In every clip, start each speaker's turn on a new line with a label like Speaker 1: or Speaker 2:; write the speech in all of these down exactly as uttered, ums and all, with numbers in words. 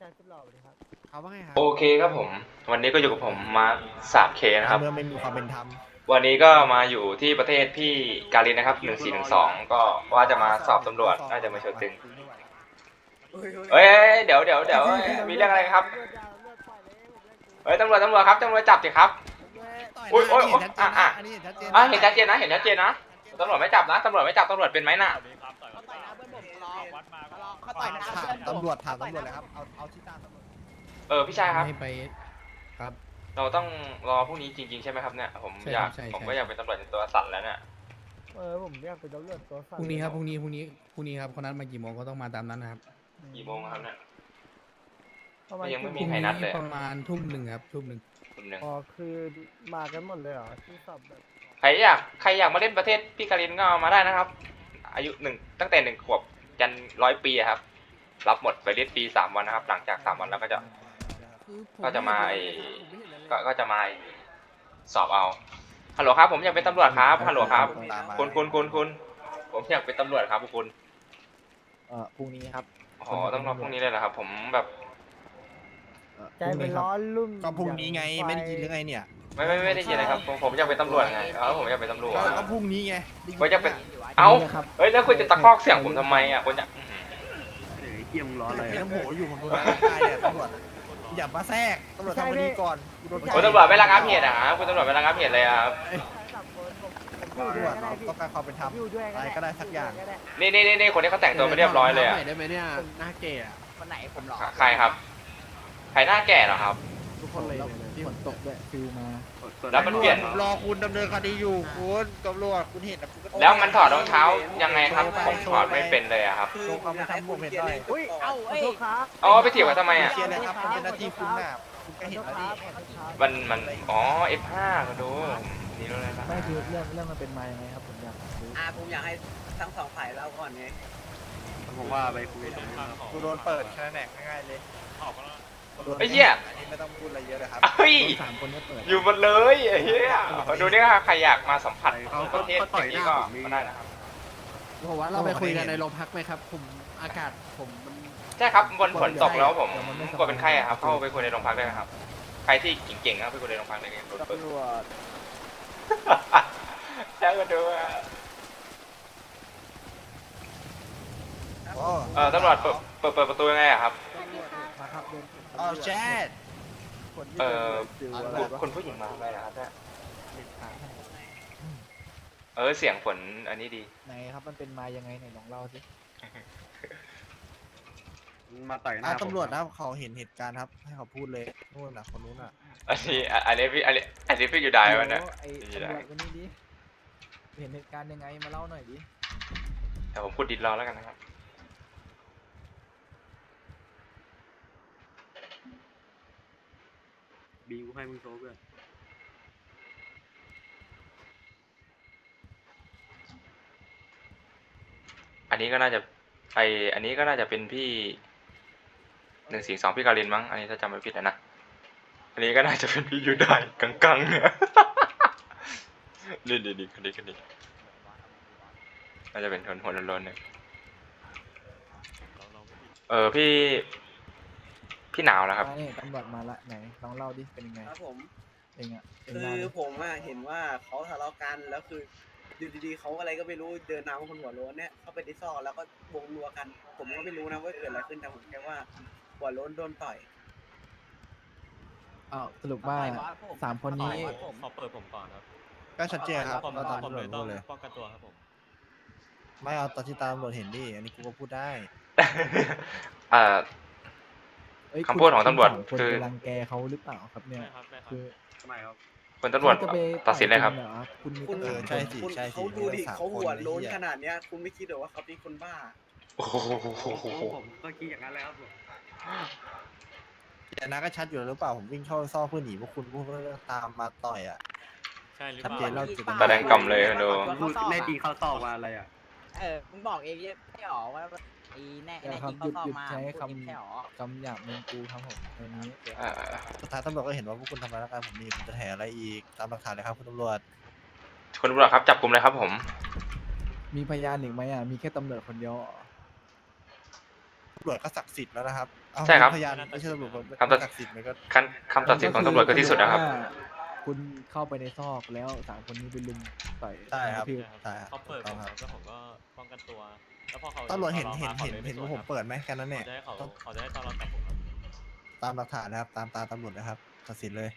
Speaker 1: ชายสุดหล่อเลยครับ
Speaker 2: เขาว่าไงครับ
Speaker 3: โอเคครับผมวันนี้ก็อยู่กับผมมาร์คสามเคนะครับ
Speaker 2: เมื่อไม่มีความเป็นธรรม
Speaker 3: วันนี้ก็มาอยู่ที่ประเทศพี่การินนะครับหนึ่งสี่หนึ่งสองก็ว่าจะมาสอบตำรวจน่าจะมาเชิญตึงเอ้ยเดี๋ยวเดี๋ยวเดี๋ยวมีเรื่องอะไรครับเฮ้ยตำรวจตำรวจครับตำรวจจับสิครับอุ้ยโอ้ยอ่ะอ่ะอ่ะเห็นชัดเจนนะเห็นชัดเจนนะตำรวจไม่จับนะตำรวจไม่จับตำรวจเป็นไหมน่ะ
Speaker 1: เขาต่อยหน้าเพื่อนผม
Speaker 2: ตำรวจถามตำรวจเลยครับเอาเอาที่ตามตำรวจ
Speaker 3: เออพี่ชายครับ
Speaker 4: ให้ไปครับ
Speaker 3: เราต้องรอพรุ่งนี้จริงๆใช่ไหมครับเนี่ยผม
Speaker 4: ใช่
Speaker 3: อยาก
Speaker 4: ใช่
Speaker 3: ผม
Speaker 4: ใช่
Speaker 3: ก็อยากเป็นตำรวจในตัวสั่นแล้วเนี่ย
Speaker 1: เออผมอยากเป็นตำรวจตัวสั่น
Speaker 4: พรุ่งนี้ครับพรุ่งนี้พรุ่งนี้พรุ่งนี้ครับเขานัดมากี่โมงก็ต้องมาตามนั้นนะครับ
Speaker 3: กี่โมงครับเนี่ย
Speaker 1: ประมาณ
Speaker 3: ยังไม่
Speaker 4: พ
Speaker 3: มี
Speaker 4: รุ่ง
Speaker 3: ใคร
Speaker 4: นี้
Speaker 3: นัดเลย
Speaker 4: ประมาณทุ่มหนึ่งครับทุ่มหนึ่ง
Speaker 3: คนหนึ่ง
Speaker 1: อ๋อคือมากันหมดเลยเหรอที่สอบแบบ
Speaker 3: ใครอยากใครอยากมาเล่นประเทศพี่การินก็มาได้นะครับ อายุหนึ่งตั้งแต่หนึ่งขวบยันร้อยปีอะครับ รับหมดไปเรียนฟรีสามวันนะครับ หลังจากสามวันแล้วก็จะ ก็จะมาไอ้ ก็ก็จะมาสอบเอาฮัลโหลครับผมอยากเป็นตำรวจครับฮัลโหลครับคุณคุณคุณคุณผมอยากเป็นตำรวจครับคุณ
Speaker 2: เอ่อพรุ่งนี้ครับ
Speaker 3: อ๋อต้องรอพรุ่งนี้เลยเหรอครับผมแบบ
Speaker 2: เอ่อ
Speaker 1: ใจเป็นร้อนรุ่ม
Speaker 2: ก็พรุ่งนี้ไงไม่ได้ยินหรือไงเนี่ย
Speaker 3: ไม่ไม่ไม่ได้ยินเลยครับผมผมอยากเป็นตำรวจไงเออผมอยากเป็นตำรวจ
Speaker 2: ก็ก็พรุ่งนี้ไง
Speaker 3: ผมอยากเป็นเอ้าเฮ้ยแล้วคุณจะตะคอกเสียงผมทำไมอ่ะคุณจะ
Speaker 5: เกี่ยมร้อนเลย
Speaker 2: ไอ้น้ำโหอยู่ผมโดนตายเนี่ยตำรวจอย่ามาแทรกตำรวจทำคดีก่อนกูโดน
Speaker 3: คุณตำรวจไม่ระงับเหตุอะครับคุณตำรวจไม่ระงับเหตุเลยอะครับ
Speaker 1: จับคนผมผม
Speaker 2: ตำรวจเราต้องการความเป็นธรรม
Speaker 1: อยู่ด้วย
Speaker 2: อะไรก็ได้สักอย่าง
Speaker 3: นี่นี่นี่นี่คนที่เขาแต่งตัวไม่เรียบร้อยเลยอะ
Speaker 4: ได้ไหมเนี่ยหน้าเกย์อะ
Speaker 1: คนไหนผมหรอ
Speaker 3: ใครครับใครหน้าแก่เหรอครับ
Speaker 4: ทุกคนเลยที่ฝนตกด้วยฟิวมา
Speaker 3: แล้วมันเปลี่ยน
Speaker 2: รอคุณดำเนินคดีอยู่คุณตำรวจคุณเห็นนะคุณก็
Speaker 3: แล้วมันถอดรองเท้ายังไงครับผมถอดไม่เป็นเลยอะครับ
Speaker 2: โชว์ความเป็นธรรมผมเห็นหน่อย
Speaker 1: อุ้ยเอ้าขอโทษครับ
Speaker 3: อ๋อไปเถียงกันทำไมอะ
Speaker 2: เคลียร์เลยครับมันเป็นหน้าที่คุณน่ะคุณก็เห็นแล้วดิ
Speaker 3: มันมันอ๋อ เอฟ ห้า ก็ดูนี่รู้เลยนะ
Speaker 1: ไม่คือเรื่องเรื่องมันเป็นมายังไงครับผมอยากรู้
Speaker 6: อ่าผมอยากให้ทั้งสองฝ่ายเล่าก่อนไง
Speaker 5: ผมว่าไปคุยตรงนู้นครับ
Speaker 2: กูโดนเปิดแค่แหนกง่ายๆเลย
Speaker 3: ไอ้เหี้ย
Speaker 2: อันนี้ไม่ต้องพูดอะไรเยอะเลยครับ
Speaker 3: เฮ้ย
Speaker 4: สามคนก็เปิด
Speaker 3: อยู่หมดเลยไอ้เหี้ยดูนี่ค่ะใครอยากมาสัมผัส
Speaker 5: เขา
Speaker 3: ประเทศ
Speaker 5: เขาต่อย
Speaker 3: นี้
Speaker 5: หน้า
Speaker 3: ก็
Speaker 5: ผมมี
Speaker 3: ก็ได้นะครับ
Speaker 4: บอกว่าเราไปคุยกันในโรงพักไหมครับ ผมอากาศผมมัน
Speaker 3: ใช่ครับบนฝนตกแล้วผมกลัวเป็นไข้อะครับเข้าไปคุยในโรงพักได้นะครับใครที่เก่งๆก็ไปคุยในโรงพักได้เลยโดนเปิด
Speaker 1: ตำรวจ
Speaker 3: ใช่ก็ดูอะ
Speaker 2: โอ้
Speaker 3: เออตำรวจเปิดเปิดเปิดประตูยังไงอะครับ
Speaker 1: มาครับเดิน
Speaker 2: เอาแชท
Speaker 1: คนที่
Speaker 3: เออ
Speaker 1: ฟิวอะไร
Speaker 3: คุณ
Speaker 1: วะ
Speaker 3: คุณผู้หญิงมาทำอะไรนะครับเนี่ยเออเสียงฝนอันนี้ดี
Speaker 1: ไหนครับมันเป็นมายังไงไหนลองเล่าสิ
Speaker 5: มาต่อยหน้า
Speaker 2: อ่ะ
Speaker 5: ผม
Speaker 2: ตำรวจนะครับเขาเห็นเหตุการณ์ครับ ให้เขาพูดเลยนู่นน่ะคนนู้นอ่ะ
Speaker 3: อันนี้อันนี้พี่อันนี้อันนี้พี่อยู่ได้วันเนี่ย
Speaker 1: ไอ้
Speaker 3: อยู่
Speaker 1: ตำร
Speaker 3: ได้
Speaker 1: วจคนนี้ดิเห็นเหตุการณ์ยังไงมาเล่าหน่อยดิ
Speaker 3: แต่ผมพูดดิดรอแล้วกันนะครับ
Speaker 5: บีกูให้มึงโชว์เพื่อน
Speaker 3: อันนี้ก็น่าจะไออันนี้ก็น่าจะเป็นพี่หนึ่งสี่สองพี่การินมั้งอันนี้ถ้าจำไม่ผิดนะนะอันนี้ก็น่าจะเป็นพี่ยูได้กังๆเนี่ยนี่นี่นี่คนนี้คนนี้น่าจะเป็นคนหัวโล้นๆเนี่ยเออพี่พี่หนาวแล้วครับ
Speaker 1: มาเนี่ยตำรวจมาละไหนลองเล่าดิเป็นยังไง
Speaker 6: ครับผม
Speaker 1: เองอะเอง
Speaker 6: คื
Speaker 1: เล่า
Speaker 6: อ
Speaker 1: ดิ
Speaker 6: ผมอะเห็นว่าเขาทะเลาะกันแล้วคืออยู่ดีๆเขาอะไรก็ไม่รู้เดินนำคนหัวโล้นเนี่ยเข้าไปในซอกแล้วก็วงรัวกัน ผมก็ไม่รู้นะว่าเกิดอะไรขึ้นแต่ผมแค่ว่าหัวโล้นโดนต่อย
Speaker 1: อ้าวสรุปว่าสามคนนี้
Speaker 7: ขอเปิดผมก่อนครับ
Speaker 2: ก็ชัดเจนครับ
Speaker 7: ผม
Speaker 2: ก็ตาม
Speaker 7: ผม
Speaker 2: ตำร
Speaker 7: เล
Speaker 2: วจ
Speaker 7: ยต้
Speaker 2: พู
Speaker 7: อง
Speaker 2: ดเลย
Speaker 7: ป้องกันตัวครับผม
Speaker 2: ไม่เอาตอนที่ตามตำรวจเห็นดิ อันนี้กูก็พูดได้
Speaker 3: เอ่อ
Speaker 1: เอ้ย
Speaker 3: คำพูดของตำรวจ
Speaker 1: คุณ
Speaker 3: คือ
Speaker 1: ไปรังแกเขาหรือเปล่าครับเนี่ย
Speaker 7: ได้ครับได้ครับ
Speaker 1: คือ
Speaker 5: ทำไมครับ
Speaker 3: คนตำรวจ
Speaker 1: เขาจะไป
Speaker 3: ตัดสินเลยครับ
Speaker 1: ต่อณหอคุณมี
Speaker 6: คุณ
Speaker 2: เออ
Speaker 1: ตำรวจ
Speaker 2: ใช่สิ
Speaker 6: คุณ
Speaker 2: ใช่สิ
Speaker 6: เขาดูดิ
Speaker 2: มีตั้งสาม
Speaker 6: เขาหัว
Speaker 2: คน
Speaker 6: โล้น
Speaker 2: ไอ้เหี้ย
Speaker 6: ขนาดเนี้ย คุณไม่คิดเหรอว่าเขาเป็นคนบ้า
Speaker 3: โอ้โห
Speaker 5: ผมก็คิดอย่างนั้นเลยครับผม
Speaker 2: แต่นาก็ชัดอยู่แล้วหรือเปล่า ผมวิ่งเข้าซ่อเพื่อหนีพวกคุณพวกก็ตามมาต่อยอ่ะ
Speaker 7: ใช่หรือ
Speaker 2: ชัด
Speaker 7: เป
Speaker 2: เจนแล้
Speaker 7: ล่าว
Speaker 2: จุด
Speaker 3: แสดงกำเลยนะดู
Speaker 5: พูดแน่จริงเข้าซอกมาอะไรอ่ะ
Speaker 8: เออ มึงบอกเองไม่หรอว่าไอ้แน่
Speaker 1: เดี๋ยว
Speaker 8: แน่
Speaker 1: ครั
Speaker 8: จ
Speaker 1: บ
Speaker 8: ริง
Speaker 1: หยุด
Speaker 8: เขา
Speaker 1: หยุด
Speaker 8: เข้ามา
Speaker 1: ใช้
Speaker 8: พูด
Speaker 1: คำ
Speaker 8: ไม่ใช่หรอ
Speaker 1: คำหยาบมึงกูครับผมวันนี้เดี๋ยว
Speaker 3: เอ่อ
Speaker 2: สุดท้ายตำรวจก็เห็นว่าพวกคุณทำร้ายร่างกายผมนี่คุณจะแถอะไรอีก ตามหลักฐานเลยครับคุณตำรวจ
Speaker 3: คุณตำรวจครับจับกลุ่มเลยครับผม
Speaker 1: มีพยานอีกไหมอ่ะมีแค่ตำรวจคนเดียวเหรอ
Speaker 2: ตำรวจก็ศักดิ์สิทธิ์แล้วนะครับเอา
Speaker 3: ใช่ครับ
Speaker 2: พยานไม่ใช่ตำรวจ
Speaker 3: คำตัด
Speaker 2: ศักดิ์สิทธิ์มันก็
Speaker 3: คำคำตัดสินของตำรวจก็ที่สุดนะครับ
Speaker 1: คุณเข้าไปในซอกแล้วสามคนนี้ไปลุมต่อย
Speaker 2: ใช่ครับ
Speaker 1: พี่
Speaker 2: ใช่ครับ
Speaker 7: เขาเปิด
Speaker 2: ต้
Speaker 7: ผ
Speaker 2: อง
Speaker 7: ม
Speaker 2: ครับ
Speaker 7: แล้วผมก็ป้องกันตัว แล้วพอเขา
Speaker 2: ตำรวจเห็น
Speaker 7: อา
Speaker 2: เห็น
Speaker 7: มา
Speaker 2: เห็น
Speaker 7: ขาลย
Speaker 2: เห็น
Speaker 7: ไส
Speaker 2: ว่าผม
Speaker 7: ครับ
Speaker 2: เปิดไหมแค่นั้นเนี่ย
Speaker 7: เขาจะให้เขา
Speaker 2: ต้อง
Speaker 7: เขาจะให้ตอนเราจับผมครับ
Speaker 2: ตามหลักฐานนะครับ ตามตามตำรวจนะครับตัดสินเลย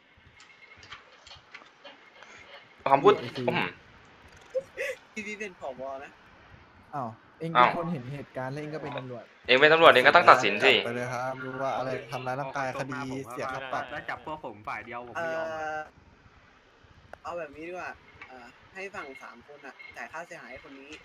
Speaker 3: คำพูดอืม
Speaker 6: พี่พี่เป็นผบนะ
Speaker 1: อ้าวเอง
Speaker 3: อ้า
Speaker 1: เป็น
Speaker 3: ว
Speaker 1: คนเห็นเหตุการณ์แล้วเองก็เป็นตำรวจ
Speaker 3: เองเป็นตำรวจเองก็ต้องตัดสินสิ
Speaker 2: ไปเลยครับรู้ว่าอะไรทำร้ายร่างกายคดีเสียค่าปรับ
Speaker 5: แล้วจับพวกผมฝ่ายเดียวผม
Speaker 6: เอ
Speaker 5: ไม่ยอม
Speaker 6: อเอาแบบนี้ดีกว่าเอ่อให้ฝั่งสามคนอ่ะจ่ายค่าเสียหายให้คนนี้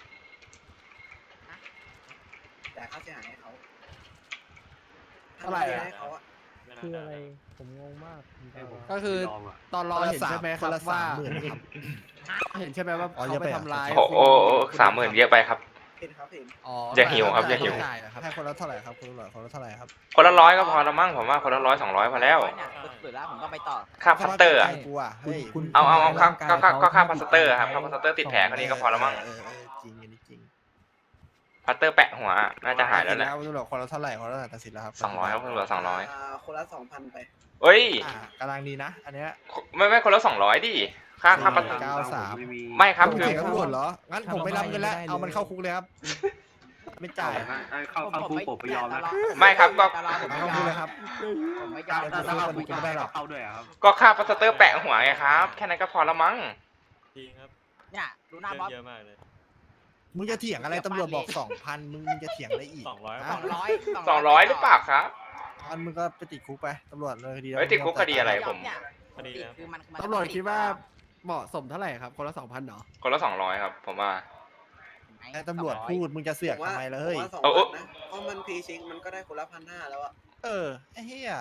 Speaker 6: จ่ายค่าเสียหายให้เขา
Speaker 1: เท่าไหร่อะ
Speaker 6: ให้เขาอะ
Speaker 7: ไม่น่า
Speaker 1: คือ
Speaker 7: ด้
Speaker 1: อะไร
Speaker 7: นะ
Speaker 1: ผมงงมากผม
Speaker 5: ให้ผม
Speaker 4: ก็คือ
Speaker 5: ไม่ยอมอะ
Speaker 4: ตอนรอเห็นใช่ไหมค
Speaker 2: ครับ นละ
Speaker 4: ว่า
Speaker 2: สามหมื่นครับ
Speaker 4: เห็นใช่ไหมว่า
Speaker 2: อ๋อ
Speaker 4: เขา
Speaker 2: เยอะ
Speaker 4: ไป
Speaker 2: ไปเหรอ
Speaker 4: ทำร้าย
Speaker 3: โอ้โอ้โอ้สามหมื่นเยอะไปครับ
Speaker 6: เห็นครับเห็น
Speaker 4: อ๋อ
Speaker 3: อย่าหิวครับอย่าหิว
Speaker 4: จ่ายเหรอครับ
Speaker 2: ให้คนละเท่าไหร่ครับคุณตำรวจคนละเท่าไหร่ครับ
Speaker 3: คนละร้อยก็พอละมั้งผมว่าคนละร้อยสองร้อยพอแล้ว
Speaker 8: เนี่ยสุดแล้วผมต้องไปต่อ
Speaker 3: ค่าพัตเตอร์อะ
Speaker 2: ให้กูอ่ะเฮ้ย
Speaker 1: คุณ
Speaker 3: เอาเอาเอาค่า
Speaker 1: คุณ
Speaker 3: ค่าค่า
Speaker 1: ร่งกย
Speaker 3: ก็ค่า
Speaker 1: เข
Speaker 3: พลาสเตอร์ครับค่าพลาสเตอร์ติดแผลคนนี้ก็พอละมั้ง
Speaker 2: เออเออจริงอันนี้จริง
Speaker 3: พัตเตอร์แปะหัวน่าจะหายแล้วแหละ
Speaker 2: ตัดสินแล้วคุณตำรวจคนละเท่าไหร่คนละเท่าไหร่ตัดสินแล้วครับ
Speaker 3: สองร้อยครับตำรวจสองร้อย
Speaker 6: อ่าคนละสองพันไป
Speaker 3: เอ้ย
Speaker 2: อ่ากำลังดีนะ อันเนี้ย
Speaker 3: ไม่ไม่คนละสองร้อยดิค่าค่าพัต
Speaker 2: เก้าสาม
Speaker 5: ไม่มี
Speaker 3: ไม่ครับ
Speaker 2: ณ
Speaker 3: คือ
Speaker 2: เสียงตำรวจเหรอ งั้นผมไม่รับเงินแล้ว เอามันเข้าคุกเลยครับ ไม่จ่าย
Speaker 5: เข้าเข้าคุกผมไม่ยอมนะ
Speaker 3: ไม่ครับก็
Speaker 8: ตลอดผม
Speaker 2: เอา
Speaker 8: ไม่
Speaker 2: เข้าย คุ
Speaker 8: อก ม
Speaker 2: เลยครับ
Speaker 8: ผมไม่ยอม
Speaker 2: ถ้า
Speaker 5: ถ้า
Speaker 2: เข้า
Speaker 5: เข้า
Speaker 2: คุ
Speaker 5: คุ
Speaker 2: ก
Speaker 5: ก
Speaker 2: ก็ไม่ได้หรอก
Speaker 5: เข้าด้วยอะครับ
Speaker 3: ก็ค่าพลาสเตอร์แปะหัวไงครับ แค่นั้นก็พอละมั้ง
Speaker 7: จริงครับ
Speaker 8: เนี่ยดูหน้า
Speaker 7: เรื่
Speaker 8: บอส
Speaker 7: เยอะมากเลย
Speaker 2: มึงจะเถียงอะไรตำรวจบอกสองพันมึงมึงจะเถียงอะไรอีก
Speaker 7: สองร้อย
Speaker 2: ฮะ
Speaker 8: สองร้อย
Speaker 3: สองร้อยหรือเปล่าครับ
Speaker 2: อันมึงก็ไปติดคุกไปตำรวจเลยคดี
Speaker 3: เฮ้ยติดคุกคดีอะไร ผม
Speaker 8: เนี่ย
Speaker 7: คดีนะ
Speaker 8: คือมันมัน
Speaker 4: ตำรวจคิดว่าเหมาะสมเท่าไหร่ครับ คนละสองพันเหรอ
Speaker 3: คนละสองร้อยครับผมว่า
Speaker 2: ให้ตำรวจพูดมึงจะเสือก
Speaker 6: ผมว่า
Speaker 2: ทำไมล่ะ
Speaker 6: ผม
Speaker 2: เฮ้ย
Speaker 6: ว่าสอง
Speaker 3: เอา
Speaker 6: พันนะเพราะมันพรีเช็คมันก็ได้คนละพันห้าแล้วอะ
Speaker 2: เออไอ้เหี้ย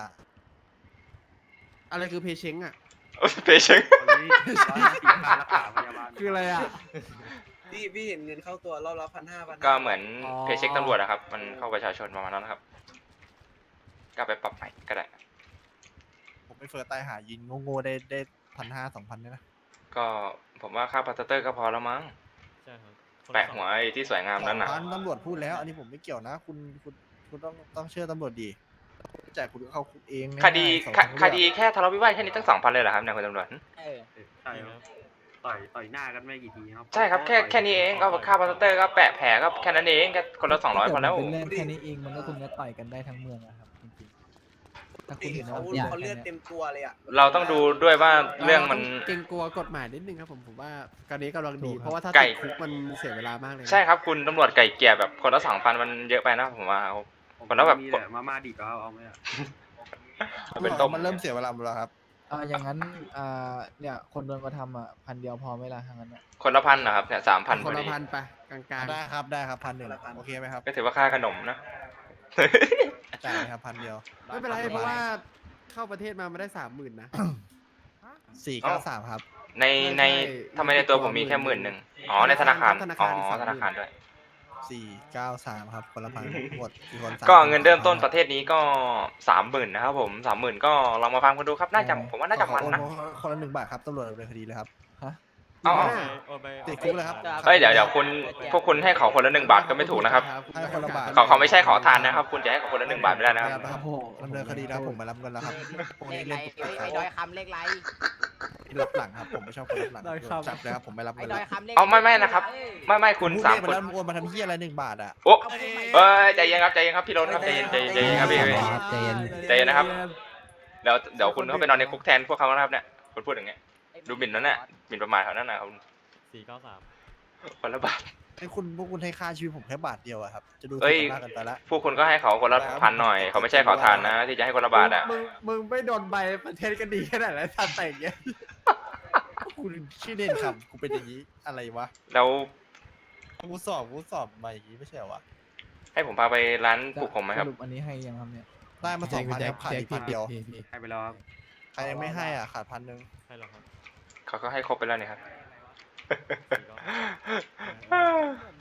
Speaker 4: อะไรคือเพเชงอ่ะ
Speaker 3: เพชง
Speaker 5: ตอนนี้ร้อยห้าสิบค่ารักษาพยาบาล
Speaker 4: คืออะไรอ่ะ
Speaker 6: พี่พี่เห็นเงินเข้าตัวรอบละพันห้าพัน
Speaker 3: ก็เหมือน
Speaker 4: อ๋อ
Speaker 3: เพเช็คตำรวจนะครับ มันเข้าประชาชนประมาณนั้นนะครับ ก็ไปปรับใหม่ก็ได้
Speaker 2: ผมไปเฟิร์สตายหายิงโง่ๆได้ได้พันห้าสองพันเนี่ยนะ
Speaker 3: ก็ผมว่าค่าพลาสเตอร์ก็พอแล้วมั้ง
Speaker 7: ใช่ครับ
Speaker 3: แปะหัวไอ้ที่สวยงามนั่นน่ะ
Speaker 2: สองพันตำรวจพูดแล้ว อันนี้ผมไม่เกี่ยวนะ คุณคุณคุณต้องต้องเชื่อตำรวจดีจ่ายคุณก็เข้าคุกเอง
Speaker 3: คดี
Speaker 2: ง่ายๆสอง
Speaker 3: ค
Speaker 2: ทางเลือก
Speaker 3: คดีแค่ทะเลาะวิวาทแค่นี้ตั้งสองพันเลยเหรอครับเนี่ยคุณตำรวจ
Speaker 8: เออ
Speaker 5: ใช่ครับต่อยต่อยหน้ากันไม่กี่ทีครับ
Speaker 3: ใช่ครับแค่แค่นี้เองก็ค่าพลาสเตอร์ก็แปะแผลก็แค่นั้นเองก็คนละสองร้อยพอแล้ว
Speaker 1: เป็นเรื่องแค่นี้เองมันก็คุณก็ต่อยกันได้ทั้งเมืองอะครับจริงๆถ้าคุณ
Speaker 6: พี่
Speaker 1: เห็น
Speaker 6: เขา
Speaker 1: ว่า
Speaker 6: เขาเลือดเต็มตัวเลยอะ
Speaker 3: เราต้องดูด้วยว่าเรื่องมัน
Speaker 4: เกรงกลัวกฎหมายนิดนึงครับผมผมว่าการนี้กำลังดี เพราะว่าถ้า
Speaker 3: ไก่
Speaker 4: ติดคุกมันเสียเวลามากเลยนะ
Speaker 3: ใช่ครับคุณตำรวจไก่เกลี่ยแบบคนละสองพันมันเยอะไปนะผมว่า
Speaker 5: ผม
Speaker 3: คนละแบบ
Speaker 5: มีแต่มาม่าดิบก็เอาเอาไหมอะ
Speaker 3: มันเป็นต้ม
Speaker 2: มันเริ่มเสียเวลาหมดแล้วครับ
Speaker 1: อ่าอย่างนั้นอ่าเนี่ยคนโดนกระทำอ่ะพันเดียวพอไหมล่ะทางนั้นอะ
Speaker 3: คนละพันนะครับเนี่ยสามพันพ
Speaker 4: ค
Speaker 3: อน
Speaker 4: ละ
Speaker 3: ดี
Speaker 4: พันไปกลาง
Speaker 2: ได้ครับได้ครับพันหนึ่งโอเคไหมครับ
Speaker 3: ก็ถือว่าค่าขนมนะ
Speaker 2: จ่ายครับพันเดียว
Speaker 4: ๆ ไม่เป็นไรเพราะว่าเข้าประเทศมาไม่ได้สามหมื่นนะ
Speaker 2: สี่เก้าสามครับ
Speaker 3: ในใน
Speaker 4: ใช่
Speaker 3: ทำไมในตัวผมมีแค่หมื่นหนึ่งอ๋อในธนาคาร
Speaker 4: ธนา
Speaker 3: อ๋
Speaker 4: คารอีก
Speaker 3: อ
Speaker 4: สามหมื่น
Speaker 3: ธนาคารด้วย
Speaker 2: สี่เก้าสามครับคนละพันหมดกี่คนสาม
Speaker 3: ก็เงินเริ่มต้นประเทศนี้ก็สามหมื่นนะครับผมสามหมื่นก็ลองมาฟังกันดูครับน่าจะผมว่าน่าจะมันนะ
Speaker 2: ขอโอคนละหนึ่งบาทครับตำรวจดำเนินคดีเลยครับ
Speaker 1: ฮะ
Speaker 3: เอาเอา
Speaker 7: โอนไป
Speaker 2: ติดคุกเลยครับ
Speaker 3: เอ้ยเดี๋ยวเดี๋ยวคุณพวกคุณให้เขาคนละหนึ่งบาทก็ไม่ถูกนะครับ
Speaker 2: ให้คนละบาท
Speaker 3: เขาเขาไม่ใช่ขอทานนะครับ คุณจะให้เขาคนละหนึ่งบาทไม่ได้นะครับ
Speaker 2: ครับดำเนินคดีแล้วผมมารับเงินแล้วครับพวก
Speaker 8: เล
Speaker 2: นี้
Speaker 8: ขไร
Speaker 2: เล่น
Speaker 8: ไอ้ไอ้ดอยคำเลขไร
Speaker 2: รับหลังครับผมไม่ชอบคนรับหลัง
Speaker 1: ดอยคำ
Speaker 2: จับเลยครับผมไม่รับ
Speaker 8: ไอ้
Speaker 2: เงิน
Speaker 8: ดอ
Speaker 2: แล้
Speaker 8: ยว คำเลข
Speaker 3: เอาไม่ไม่นะครับ ไม่ไม่คุณ
Speaker 2: พูด
Speaker 3: สาม
Speaker 2: เลข
Speaker 3: ค
Speaker 2: มาน แล้วโอนมาทำเหี้ยอะไรหนึ่งบาทอ่ะ
Speaker 3: โอ้เอ้ยใจเย็นครับใจเย็นครับพี่รถครับใจเย็นใจเย็นใจเย็นครับพี่พี่
Speaker 8: ใจเย็น
Speaker 3: ใจเย็นนะครับ เดี๋ยวเดี๋ยวคุณเข้าไปนอนในคุกแทนพวกเขานะครับเนี่ยคุณพูดอย่างเงี้ยดูหมิ่นนั่นน่ะหมิ่นประมาทเขานั่นน่ะคุณ
Speaker 7: สี่เก้าสาม
Speaker 3: คนละบาท
Speaker 2: ให้คุณพวกคุณให้ค่าชีวิตผมแค่บาทเดียวอะครับจะดู
Speaker 3: เอ้ย
Speaker 2: ถูกมากเกันไปละ
Speaker 3: พวกคุณก็ให้เขาคนละพันหน่อยเขาไม่ใช่ขอทานนะ ที่จะให้คนละบาทอ่ะ
Speaker 4: มึงมึงไม่โดนใบประเทศก็ดีขนาดนั้นทันแต่งเงี้ย
Speaker 2: คุณชื่อเด่นคำกูเป็นอย่างนี้อะไรวะ
Speaker 3: แล้ว
Speaker 2: กูสอบกูสอบมาอย่างนี้ไม่ใช่เหรอวะ
Speaker 3: ให้ผมพาไปร้านปลูกผมไหมครับ
Speaker 1: สรุปอันนี้ให้ยังครับเนี่ย
Speaker 2: ได้มาสองพันครับขาดอีกพันเดียว
Speaker 5: ให้ไปแล้วครับ
Speaker 2: ใครยังไม่ให้อ่ะขาดพันหนึ่ง
Speaker 7: ให้เราครับ
Speaker 3: เขาก็ให้ครบไปแล้วนี่ครับ
Speaker 7: สี่เก้าสาม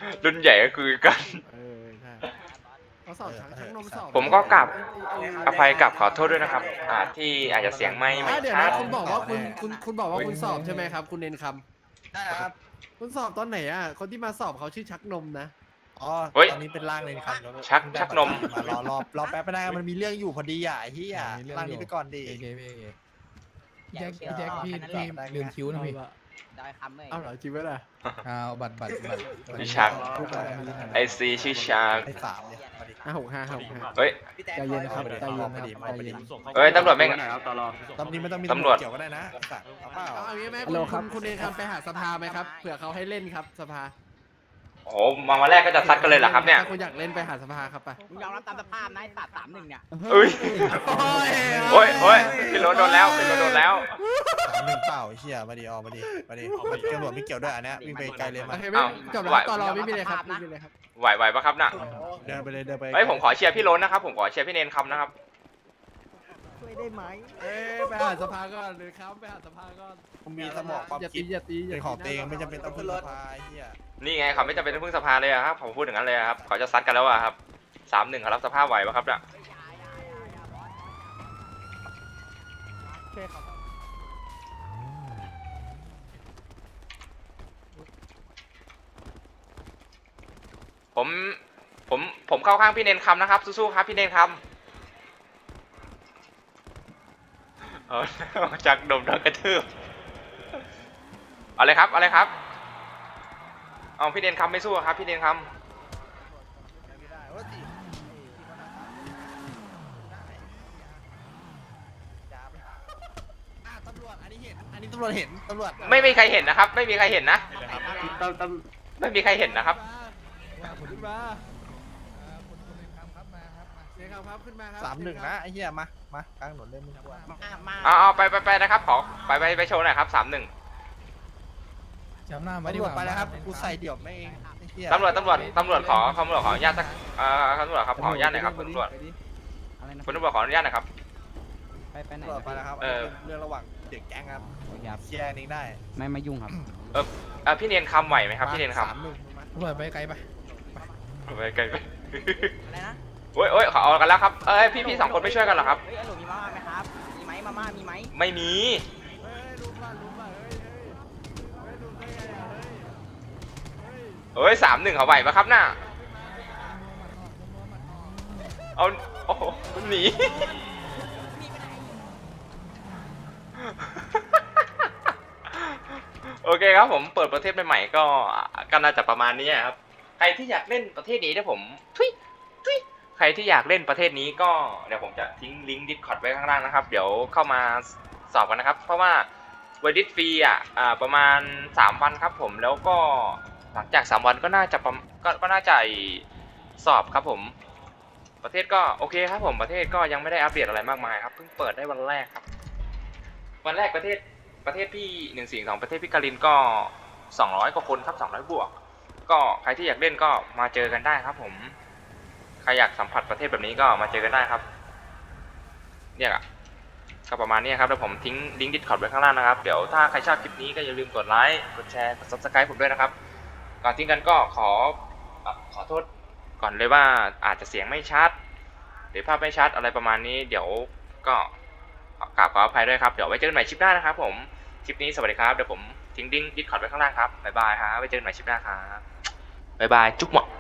Speaker 3: รุ่นใหญ่ก็คือกัน
Speaker 4: เออใช่เขาสอบทั้งทั้งนมสอบ
Speaker 3: ผมก็กลับ อภัยกับขอโทษด้วยนะครับอ่าที่อาจจะเสียงไม่ไม่
Speaker 4: อ่ะเดี๋ยว
Speaker 3: ชั
Speaker 4: นะ
Speaker 3: ด
Speaker 4: คุณบอกว่าคุณคุณคุณบอกว่าคุณสอบใช่ไหมครับ คุณเนนค
Speaker 2: ได้ครับ
Speaker 4: ำคุณสอบตอนไหนอ่ะคนที่มาสอบเขาชื่อชักนมนะ
Speaker 2: อ๋อ
Speaker 3: เฮ้ย
Speaker 2: ตอนนี้เป็นร่างเลยครับแล้ว
Speaker 3: ชักชักนม
Speaker 2: มารอรอรอแป๊บไม่ได้มันมีเรื่องอยู่พอดีอ่ะไอ้เหี้ย
Speaker 1: มีเรื่อง
Speaker 2: ร่าง
Speaker 1: อยู่
Speaker 2: นี้ไปก่อนดิ
Speaker 1: โอเคพี่โอเค
Speaker 8: แจ็ค
Speaker 1: พี่แจ็คพี่
Speaker 8: แค่นั้นแห
Speaker 1: พี่
Speaker 8: ละ
Speaker 1: ลืมคิ้วนะพี่
Speaker 8: ได้คำเลย
Speaker 4: เอาเหรอจริงไหมล่ะ
Speaker 1: เอาบัตรบัตรบัตรบัตร
Speaker 3: พี่ชัก
Speaker 1: พูดอะไรไม่รู้นะ
Speaker 3: ไอซีชื่อชา
Speaker 2: ไอ้สามเนี่ยมาดิ
Speaker 4: ห้าหกห้าห้าหกห้า
Speaker 3: เฮ้ย
Speaker 6: พี่แจ๊ค
Speaker 1: ใจเย็นนะครับ
Speaker 2: เอาไปดิ
Speaker 1: ใจเย็น
Speaker 2: เอาไปดิ
Speaker 1: นะครับใจเย็น
Speaker 3: เอ้ยตำรวจแม่ง
Speaker 5: ไหนครับตลอด
Speaker 2: ตอนนี้ไม่ต้องมี
Speaker 3: ตำรวจ
Speaker 2: เกี่ยวก็ได้นะไอ้สัตว์เอาเปล่า
Speaker 4: เอาอย่างนี้ไหม
Speaker 1: ฮัลโหล
Speaker 4: คุณ
Speaker 1: ครับ
Speaker 4: คุณเองครับไปหาสภาไหมครับเผื่อเขาให้เล่นครับสภา
Speaker 3: โอ้โหมาวันแรกก็จะซัดกันเลยเหรอครับเนี่ย
Speaker 4: ถ้าคุณอยากเล่นไปหาสภาครับไป
Speaker 8: มึงยอมรับตามสภาพนะไอ้สัตว์สามหนึ่งเนี่ย
Speaker 3: เอ้ย
Speaker 4: โอ้ย
Speaker 3: โอ้ยโอ้ยพี่รถโดนแล้วพี่รถโดนแล้ว
Speaker 2: สามหนึ่งเปล่าไอ้เหี้ยมาดิออกมาดิมาดิตำรวจไม่เกี่ยวด้วยอันเนี้ยวิ่งไปไกลเลย
Speaker 4: โอ
Speaker 2: มา
Speaker 4: เคไม่จบแล้วต่อรอไม่มีเลยครับไม่มีเลยครับ
Speaker 3: ไหวไหวปะครับน่ะ
Speaker 2: เดินไปเลยเดินไป
Speaker 3: เฮ้ยผมขอเชียร์พี่รถนะครับผมขอเชียร์พี่เนนคำนะครับ
Speaker 8: ช่วยได้ไหม
Speaker 4: เอ้ยไปหาสภาก่อนเลยครับไปหาสภาก่อน
Speaker 2: ผมมีสมองความ
Speaker 4: อย่า
Speaker 2: คิ
Speaker 4: ตี
Speaker 2: ด
Speaker 4: อย่าตีอย่า
Speaker 2: เป็น
Speaker 4: ตี
Speaker 2: ของตัวเองไม่จำเป็นต้องพึ่งสภาไอ้เหี้ย
Speaker 3: นี่ไงเขาไม่จำเป็นต้องพึ่งสภาเลยอะครับผมพูดอย่างนั้นเลยอะครับเขาจะซัดกันแล้วอะครับสามหนึ่งเขารับสภาพไหวปะครับเนี่ย ผมผมผมเข้าข้างพี่เนนคำนะครับสู้ๆครับพี่เนนคำเอา จากดมโดนกระทืบเอาเลยครับเอาเลยครับเอาพี่เนนคำไม่สู้ครับพี่เนนคำ
Speaker 2: ไม่ได้ว่าสิอ่ะตำรวจอันนี้เห็นอันนี้ตำรวจเห็นตำรวจ
Speaker 3: ไม่มีใครเห็นนะครับ ไม่มีใครเห็นนะ
Speaker 5: ตั้มตั้ม
Speaker 3: ไม่มีใครเห็นนะครับ
Speaker 4: ขึ้นมาเสียครับครับขึ้นมาครับ
Speaker 2: สามหนึ่งนะไอ้เหี้ยมามากลางถนนเล่นมึงกว่า
Speaker 8: มามา
Speaker 3: เอาเอาไปไปไปนะครับขอไปไปไปโชว์หน่อยครับสามหนึ่ง
Speaker 1: จำหน้าไว้ดี
Speaker 2: ตำร
Speaker 1: ก
Speaker 2: วจ
Speaker 1: ว่า
Speaker 2: ไปแล้วครับกูใส่เดี่ยวไม่เองไอ้เหี้ย
Speaker 3: ตำรวจตำรวจตำรวจขอตำรวจขออนุญาตสักเอ่อตำรวจครับขออนุญาตหน่อยครับคุณตำรวจ
Speaker 8: อะไรนะ
Speaker 3: คุณตำรวจขออนุญาตหน่อยครับ
Speaker 8: ไปไปไหน
Speaker 2: ตำรวจไปแล้วครับ
Speaker 3: เออ
Speaker 2: เรื่องระหว่างเด็กแก๊งครับ
Speaker 8: ครับ
Speaker 2: เคลียร์นี้ได้
Speaker 8: ไม่มายุ่งครับ
Speaker 3: เออเออพี่เนนคำไหวไหมครับพี่เนนค
Speaker 2: สามหนึ่งมา
Speaker 1: ตำรวจไปไกลไป
Speaker 3: ำไปไกลไป
Speaker 8: อะไรนะ
Speaker 3: โอ้ยโอ้ยขอเอากันแล้วครับเอ้ยพี่พี่สองคนไม่ช่วยกันเหรอครับ
Speaker 8: เฮ้ยไอ้หนูมีมาม่าไหมครับมีไหมมาม่ามีไหม
Speaker 3: ไม่มี
Speaker 4: เฮ้ยลุกมาลุกมาเฮ้ยเฮ้ยเฮ้ยลุกได้ไงอ่ะเฮ้ยเฮ้ย
Speaker 3: เอ้ยสามหนึ่งเขาไหวปะครับน่ะเอาโอ้โหหนี โอเคครับผมเปิดประเทศใหม่ๆก็ก็น่าจะประมาณนี้ครับใครที่อยากเล่นประเทศนี้เดี๋ยวผมทุยทุยใครที่อยากเล่นประเทศนี้ก็เดี๋ยวผมจะทิ้งลิงก์ Discord ไว้ข้างล่างนะครับ เดี๋ยวเข้ามาสอบกันนะครับ เพราะว่าเวดิสฟรีอ่ะอ่าประมาณสามวันครับผมแล้วก็หลังจากสามวันก็น่าจะประก็ก็น่าจะสอบครับผมประเทศก็โอเคครับผมประเทศก็ยังไม่ได้อัปเดตอะไรมากมายครับเพิ่งเปิดได้วันแรกครับวันแรกประเทศประเทศพี่หนึ่งสี่สองประเทศพี่กาลินก็สองร้อยกว่าคนครับสองร้อยบวกก็ใครที่อยากเล่นก็มาเจอกันได้ครับผมใครอยากสัมผัสประเทศแบบนี้ก็มาเจอกันได้ครับเนี่ยก็ประมาณนี้ครับแล้วผมทิ้งลิงก์ Discord ไว้ข้างล่างนะครับเดี๋ยวถ้าใครชอบคลิปนี้ก็อย่าลืมกดไลค์กดแชร์กด ซับสไครบ์ ผมด้วยนะครับก่อนทิ้งกันก็ขอขอโทษก่อนเลยว่าอาจจะเสียงไม่ชัดหรือภาพไม่ชัดอะไรประมาณนี้เดี๋ยวก็กราบขออภัยด้วยครับเดี๋ยวไว้เจอกันใหม่คลิปหน้านะครับผมคลิปนี้สวัสดีครับเดี๋ยวผมทิ้งลิงก์ Discord ไว้ข้างล่างครับบ๊ายบายครับไว้เจอกันใหม่คลิปหน้าครับบ๊ายบายจุ๊บหมอ